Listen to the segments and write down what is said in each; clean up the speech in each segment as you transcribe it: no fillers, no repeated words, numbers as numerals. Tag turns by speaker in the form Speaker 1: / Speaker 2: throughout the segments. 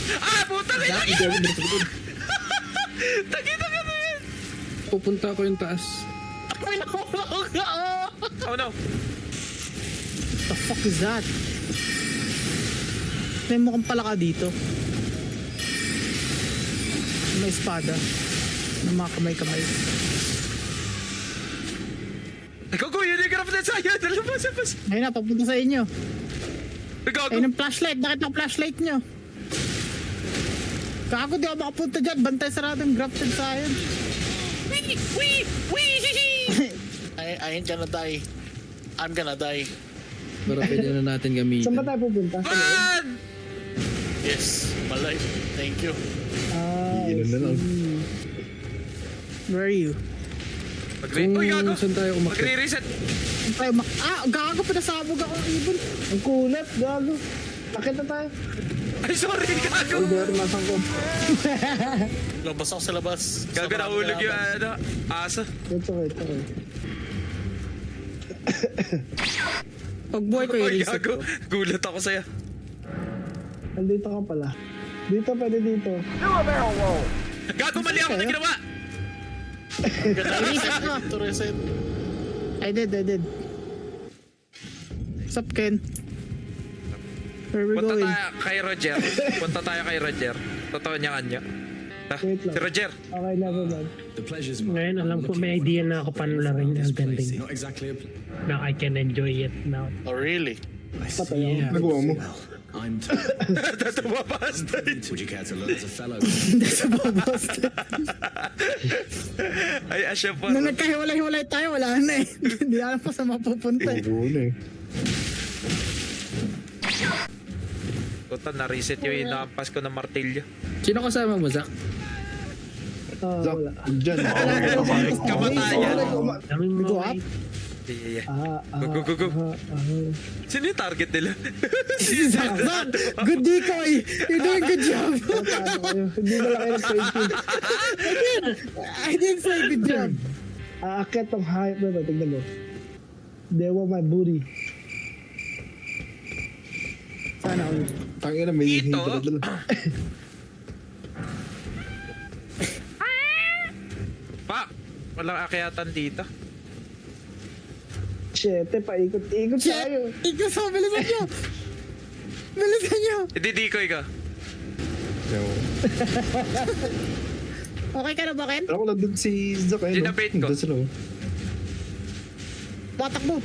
Speaker 1: Ah, putang ina!
Speaker 2: Hindi ako binasabot.
Speaker 1: Takita ka na yan!
Speaker 2: Pupunta ako yung taas.
Speaker 1: Oh no!
Speaker 3: The fuck is that? May mukhang palaka dito. May espada. May mga kamay-kamay.
Speaker 1: Gago, yun yung graph na sa'yo! Labas!
Speaker 3: Ayun na, papunta sa inyo.
Speaker 1: Gago!
Speaker 3: Ayun ang flashlight. Nakita ang flashlight nyo. Gago, di ako makapunta dyan. Bantay sarado yung grafted science.
Speaker 4: I ain't gonna die. I'm gonna die.
Speaker 2: Para pwede na natin gamitin.
Speaker 5: Saan ba tayo pupunta?
Speaker 1: Man!
Speaker 4: Yes, my life. Thank you.
Speaker 2: Ilan na lang.
Speaker 3: Where are you?
Speaker 1: Uy, gago!
Speaker 2: Saan tayo umakit?
Speaker 1: Magre-reset!
Speaker 3: Gago, pinasabog ako ng ibon.
Speaker 5: Ang kulat, gago. Akit na tayo.
Speaker 1: Ay, sorry, gago!
Speaker 5: Over, nasaan ko?
Speaker 4: Labas ako sa labas.
Speaker 1: Gago, nahulog yung aso.
Speaker 5: It's okay.
Speaker 3: Pag buhay ko
Speaker 1: Uy,
Speaker 3: i-reset
Speaker 1: gago!
Speaker 3: ko.
Speaker 1: Gulat ako sa'yo.
Speaker 5: Nandito ka pala. Dito, pwede dito.
Speaker 1: Gago, mali ako na ginawa!
Speaker 3: I-reset ko.
Speaker 4: To reset.
Speaker 3: I did. What's up, Ken? Where we
Speaker 1: Punta
Speaker 3: going?
Speaker 1: tayo kay Roger. Totoo niya kanya.
Speaker 5: Wait lang.
Speaker 1: Si Roger.
Speaker 5: Okay, never mind.
Speaker 6: The pleasure's mine.
Speaker 7: Ngayon, alam ko may idea na ako paano laruin Elden Ring.
Speaker 6: Not exactly a
Speaker 7: Now I can enjoy it now.
Speaker 4: Oh, really?
Speaker 5: Patay ako.
Speaker 2: Nagawa mo.
Speaker 6: well. I'm told.
Speaker 1: Tatawa pa stage.
Speaker 6: Would you care to look as a fellow?
Speaker 1: Ay, asya po.
Speaker 3: Nung nagkahiwalay-hiwalay tayo, wala na eh. Hindi alam ko sa mapupunta eh.
Speaker 2: Ulo eh.
Speaker 1: Puta, na-reset yung inaampas ko ng martilyo.
Speaker 2: Sino kasama mo, Zach?
Speaker 5: Wala.
Speaker 2: Diyan.
Speaker 1: Kamatayan.
Speaker 7: Daming mga
Speaker 3: Go up?
Speaker 1: Yeah.
Speaker 5: Go.
Speaker 1: Sino yung target nila?
Speaker 3: Zach, good decoy! You're doing good job!
Speaker 5: Hindi na lang kayo nag-trade.
Speaker 3: I didn't say good job.
Speaker 5: Aakit tong hype na to. Tignan mo. They want my booty.
Speaker 3: Sana all.
Speaker 2: Tangina, may
Speaker 1: Ito?
Speaker 2: hintro.
Speaker 1: Pak! Walang akyatan dito.
Speaker 5: Shit, paikot-ikot tayo.
Speaker 3: Ikaw sa bilisan nyo! Bilisan nyo!
Speaker 1: Ididikoy ka.
Speaker 3: Okay ka na ba, Ken?
Speaker 2: Pero ako lang dun si Zach eh.
Speaker 1: Ginabait ko.
Speaker 2: Doon sila.
Speaker 3: Watak mo!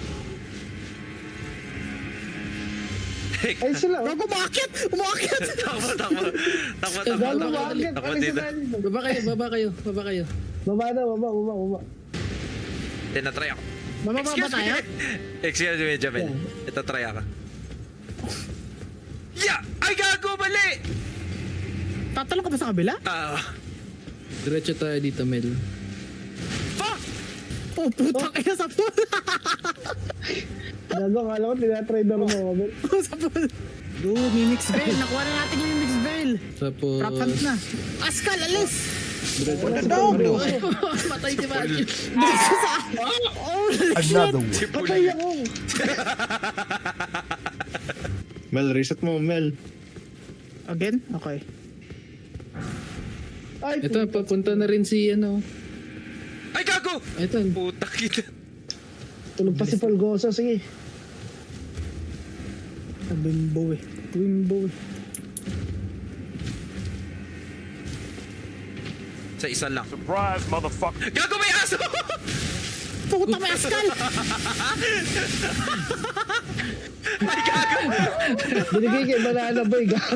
Speaker 5: Ay sila.
Speaker 3: Gago, umakit! Umakit!
Speaker 1: Takbo.
Speaker 5: Gago, bakit?
Speaker 1: Takbo
Speaker 5: Alis
Speaker 1: dito.
Speaker 5: na tayo dito.
Speaker 2: Baba kayo.
Speaker 5: Baba na, baba.
Speaker 1: Tinatry ako.
Speaker 3: Mamaba ba tayo?
Speaker 1: Excuse me, Jamel. Ito, try ako. Yeah! Ay, gago! Mali!
Speaker 3: Tatalong ka ba sa kabila?
Speaker 2: Diretso tayo dito, Mel.
Speaker 1: Fuck!
Speaker 3: Oh, putang ina sa pool!
Speaker 5: Gago, akala ko tinatry na rin ako.
Speaker 3: Sa pool! Dude, may mix veil. Nakuha na natin yung mix veil.
Speaker 2: Tapos...
Speaker 3: Trap hunt na. Askal, alis!
Speaker 2: Matay si Matthew.
Speaker 3: Oh, shit!
Speaker 5: Patay ako.
Speaker 2: Mel, reset mo, Mel.
Speaker 3: Again? Okay.
Speaker 5: Ay,
Speaker 2: Ito, papunta na rin si ano.
Speaker 1: Ay, gago!
Speaker 2: Ito.
Speaker 1: Puta kita.
Speaker 5: tulog pa si Polgoso. Sige.
Speaker 3: Bimbo eh.
Speaker 1: Sa isa lang. Surprise, motherfucker! Gago, may aso!
Speaker 3: Puta, may askal!
Speaker 1: Ay, gago!
Speaker 5: Binigay kay Banana Boy. Gago.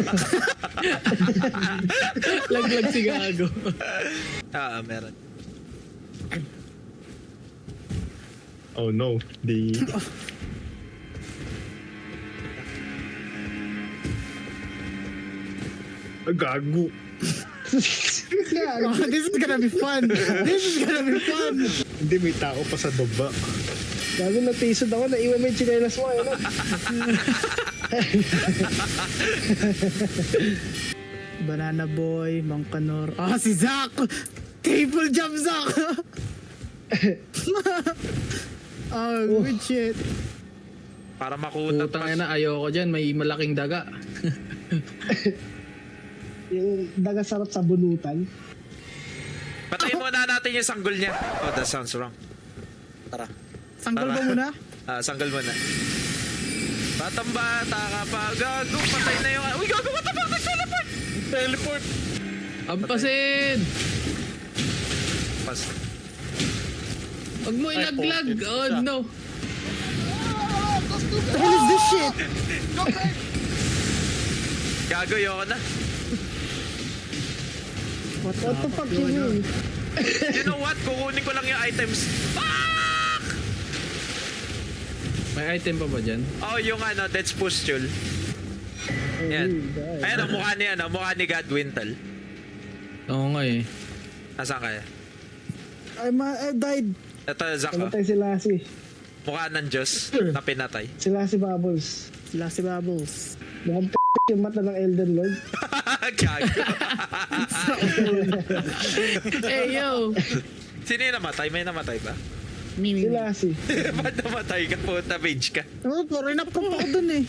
Speaker 2: Laglag si Gago.
Speaker 1: Meron.
Speaker 2: Oh no. Gago.
Speaker 3: Oh, this is gonna be fun.
Speaker 2: Hindi, may tao pa sa baba.
Speaker 5: Gago, natisod ako. Naiwan mo yung chinelas mo. Ano?
Speaker 3: Banana Boy, Mangkanor. Si Zach! Triple jump, Zach! Good shit.
Speaker 1: Para makutat
Speaker 2: Putang ina, ayoko dyan. May malaking daga.
Speaker 5: Yung dagasarap sa bunutan.
Speaker 1: Patayin muna natin yung sanggol niya. Oh, that sounds wrong.
Speaker 4: Tara.
Speaker 3: Sanggol ba
Speaker 1: Tara.
Speaker 3: muna?
Speaker 1: Sanggol muna. Batang bata ka pa. Gago, patay na yung... Uy, gago, what the fuck? Nag-teleport!
Speaker 4: Teleport.
Speaker 8: Ampasin!
Speaker 1: Pas.
Speaker 8: Huwag mo ilaglag!
Speaker 4: po,
Speaker 8: Oh
Speaker 4: siya.
Speaker 8: no!
Speaker 3: What the hell is this shit?
Speaker 1: Gago, yoko na.
Speaker 5: What the fuck you mean?
Speaker 1: You know what? Kukunin ko lang yung items. Fuck!
Speaker 8: May item pa ba dyan?
Speaker 1: Oh, yung ano, Death's Pustule. Yan. Ayan, ang mukha ni Godwintal.
Speaker 8: Oo nga eh.
Speaker 1: Nasaan kaya?
Speaker 3: I died.
Speaker 1: Ito, Zach, oh.
Speaker 5: Namatay si Lassie.
Speaker 1: Mukha ng Diyos na pinatay.
Speaker 5: Si Lassie Bubbles.
Speaker 3: Sila si Bubbles.
Speaker 5: Mukhang yung mata ng Elden Lord.
Speaker 1: Gago.
Speaker 8: Hey yo!
Speaker 1: Sino yung namatay? May namatay ba?
Speaker 5: Si Lassie.
Speaker 1: Ba't namatay ka? Puta, mage ka.
Speaker 3: Oh, rin up ko pa ako dun eh.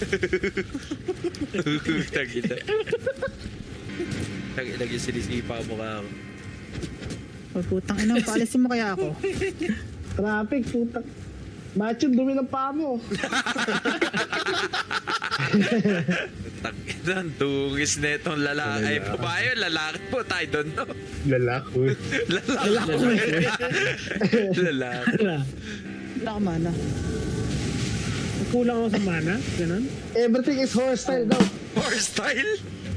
Speaker 1: Tagina. Tagina yung sinisipa mo ka ako.
Speaker 3: Oh, putang ina, paalisin mo kaya ako.
Speaker 5: Traffic, putang. Macho, dumi ng paa mo.
Speaker 1: Tagina, ang dungis na itong lalaki. Ay, babae yun, lalaki po. I don't know.
Speaker 2: Lalako.
Speaker 1: Lalaki.
Speaker 3: Wala ka mana.
Speaker 7: Kulang ako sa mana. Ganun.
Speaker 5: Everything is horse style daw.
Speaker 1: Horse style?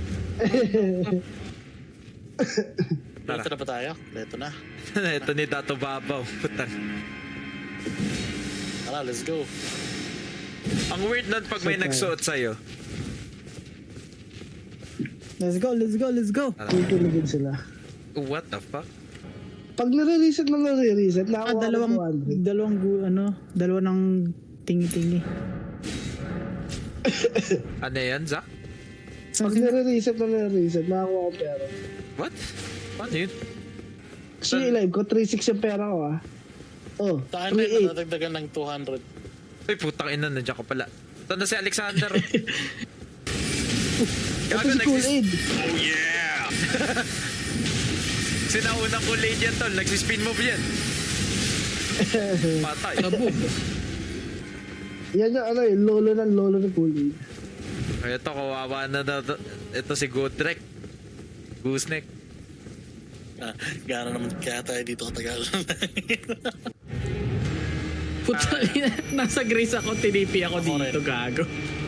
Speaker 1: Tara.
Speaker 4: Ito na ba tayo? Ito na.
Speaker 1: Ito ni Dato Babaw. Putang.
Speaker 4: Tara, let's go.
Speaker 1: Ang weird nun pag may nagsuot sa'yo.
Speaker 3: Let's go, let's go, let's go.
Speaker 5: Kikiligin sila.
Speaker 1: What the fuck?
Speaker 5: Pag nare-reset na nare-reset, nakakuha
Speaker 3: Dalawa ng tingi-tingi.
Speaker 1: Ano yan, Zach?
Speaker 5: Pag nare-reset na nare-reset, nakakuha ko pera.
Speaker 1: What? Ano yun?
Speaker 5: Kasi live ko, 3.6 yung pera ko ah. Oh,
Speaker 4: Sa akin na
Speaker 5: 3.8.
Speaker 4: natagdagan ng 200.
Speaker 1: Uy, putang ina, nandiyan ka pala. Ito na si Alexander.
Speaker 5: Ito si Cool Aid.
Speaker 1: Oh yeah! Sinaunang Kool Aid yan, tol. Nagsispin move yan. Patay.
Speaker 8: Kaboom!
Speaker 5: Yan yung ano lolo ng Cool Aid.
Speaker 1: Ito, kawawa na na. Ito si Godrek. Gooseneck.
Speaker 4: Gano'n naman kaya tayo dito katagal.
Speaker 8: Puta, nasa Grace ako, tinipi ako dito, gago.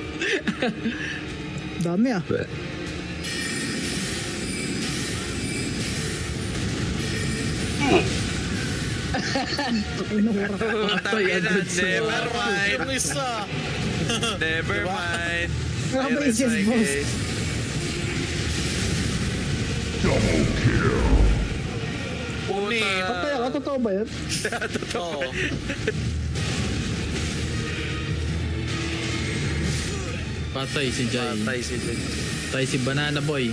Speaker 3: Dami ah.
Speaker 1: Putang ina, never mind.
Speaker 4: Yung isa.
Speaker 1: Never mind.
Speaker 3: Ano ba
Speaker 1: There is
Speaker 3: yung
Speaker 1: my
Speaker 3: boss?
Speaker 1: case. Puta.
Speaker 5: Patay ako, totoo ba yun?
Speaker 4: Oo.
Speaker 8: Patay si Jai.
Speaker 1: Patay si Jen.
Speaker 8: Patay si Banana Boy.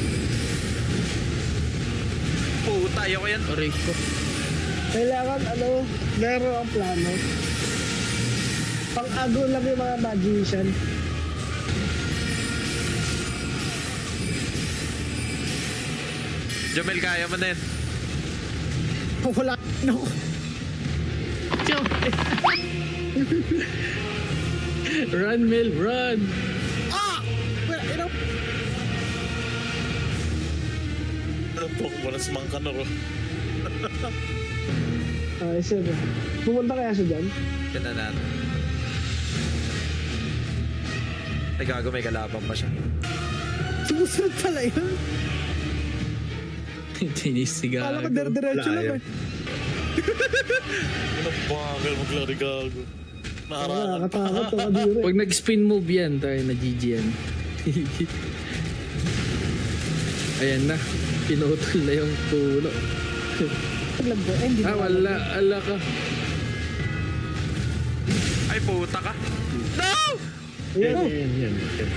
Speaker 1: Puta, ayoko yan.
Speaker 8: Aray ko.
Speaker 5: Kailangan meron ang plano. Pang-ago lang yung mga magician.
Speaker 1: Jomel, kaya mo na yan.
Speaker 3: Wala na ako.
Speaker 8: Run, Mel, run!
Speaker 4: Wala si Mang Kanaro.
Speaker 5: Ay, sir. Pumunta kaya siya dyan?
Speaker 1: Yan na natin. Ay, gago, may kalabang pa siya.
Speaker 3: Sumusunod pala yun.
Speaker 8: Tinis si
Speaker 3: Kala ko
Speaker 8: gago.
Speaker 3: diretso lang eh.
Speaker 4: Ano bagal maglari gago. Naharangan.
Speaker 5: Nakakatakot to kadiri.
Speaker 8: Pag nag-spin move yan, tayo na GG yan. Ayan na. Pinutol na yung puno.
Speaker 3: Lagbo. Eh, hindi na
Speaker 8: Wala. Ala ka.
Speaker 1: Ay, puta ka. No!
Speaker 2: Yan.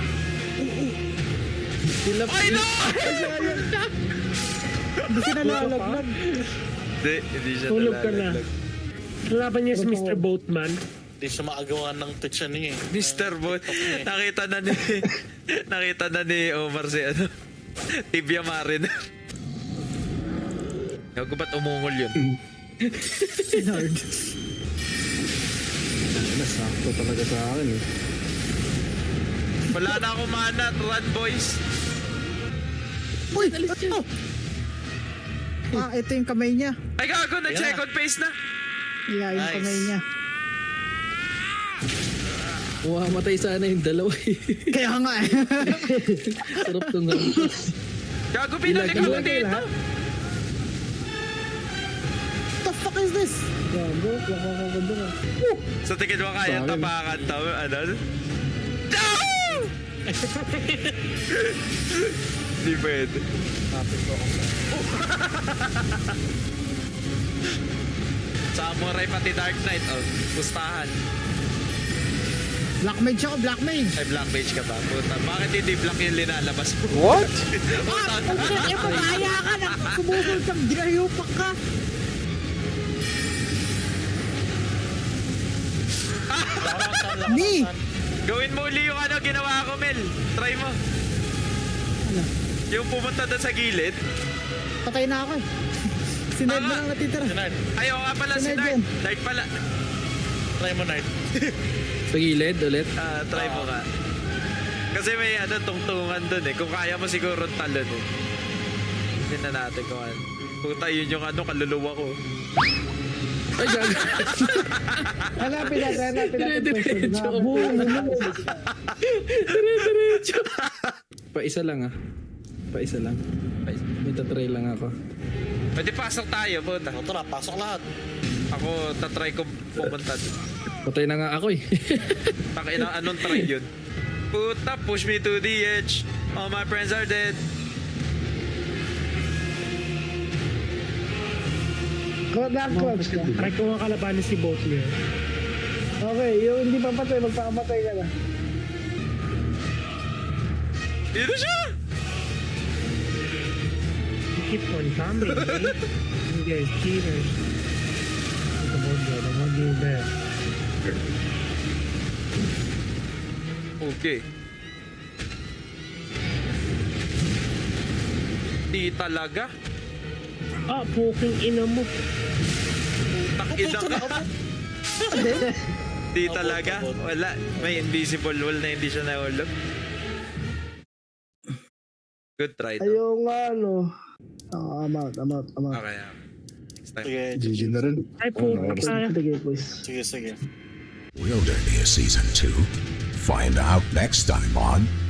Speaker 8: Sila
Speaker 1: Ay, no!
Speaker 3: Hindi siya nalalaglag.
Speaker 1: Hindi siya
Speaker 7: Tulog ka na.
Speaker 1: nalalaglag.
Speaker 7: Lalaban niya si Mr. Boatman.
Speaker 4: Hindi siya maagawan ng pitcha niya eh.
Speaker 1: Mr. Bot. Nakita na ni Omar si ano. Tibia Marin. Gago ba't umungol yun?
Speaker 3: Hard. Nasakto talaga sa akin eh.
Speaker 1: Wala na akong mana. Run, boys.
Speaker 3: Uy! Ano? Ito yung kamay niya.
Speaker 1: Ay, gago. Nag-second phase na.
Speaker 3: Yeah, yung
Speaker 4: Nice.
Speaker 3: kamay niya.
Speaker 8: Matay sana yung dalawa eh.
Speaker 3: Kaya nga eh.
Speaker 8: Sarap tong gampas.
Speaker 1: Gago, pinalik ako dito.
Speaker 3: What the fuck is this?
Speaker 5: Gago, nakakaganda na.
Speaker 1: Sa tingin mo kaya
Speaker 3: Sorry.
Speaker 1: tapakan to? Ano? No! Hindi pwede. Samurai pati Dark Knight. Oh, pustahan.
Speaker 3: Black mage ako, black mage.
Speaker 1: Ay, Black Mage ka ba? Puta, bakit hindi black yung linalabas mo?
Speaker 2: What?
Speaker 3: Eh, papaya ka na. Sumubol kang ginayupak ka. Ni!
Speaker 1: Gawin mo uli yung ano ginawa ko, Mel. Try mo.
Speaker 3: Ano?
Speaker 1: Yung pumunta doon sa gilid.
Speaker 3: Patay na ako eh. Si Ned na lang natitira.
Speaker 4: Sinard,
Speaker 1: Ayaw nga pala si
Speaker 3: Sinay
Speaker 1: Dart.
Speaker 3: dyan.
Speaker 1: Dart pala.
Speaker 4: try mo, Nard.
Speaker 8: Sa gilid ulit.
Speaker 1: Ah, try mo ka. Kasi may ano, tungtungan doon eh. Kung kaya mo siguro talon eh. Hindi na natin kung ano. Puta, yun yung ano, kaluluwa ko.
Speaker 8: Ay, gago.
Speaker 5: Hanapin natin question.
Speaker 8: Dire-diretso ako.
Speaker 5: Nabuo mo na.
Speaker 8: Dire-diretso. Pa-isa lang ah. Pa-isa lang. May tatry lang ako.
Speaker 1: Pwede pasok tayo, puta.
Speaker 4: O, tara, pasok lahat.
Speaker 1: Ako, tatry ko pumunta doon.
Speaker 8: Patay na nga ako eh.
Speaker 1: Pakina, anong try yun? Puta, push me to the edge. All my friends are dead.
Speaker 5: Dark Clouds ka.
Speaker 7: Try ko nga kalabanin si Boatler.
Speaker 5: Okay, yung hindi papatay, magpapatay ka na.
Speaker 1: Dito siya!
Speaker 7: You keep on coming, eh? You guys cheaters. Come on, bro. I want you there.
Speaker 1: Okay. Di talaga.
Speaker 7: Ah, puking ina mo.
Speaker 1: Takina ka. Di talaga. Wala. May invisible wall na hindi siya nahulog. Good try. No?
Speaker 5: Ayaw nga, ano. I'm out.
Speaker 1: Okay. Next time.
Speaker 4: Sige,
Speaker 2: GG na rin.
Speaker 7: Ay, puking ina.
Speaker 5: Sige, boys.
Speaker 4: sige, sige.
Speaker 9: Will there be a season 2? Find out next time on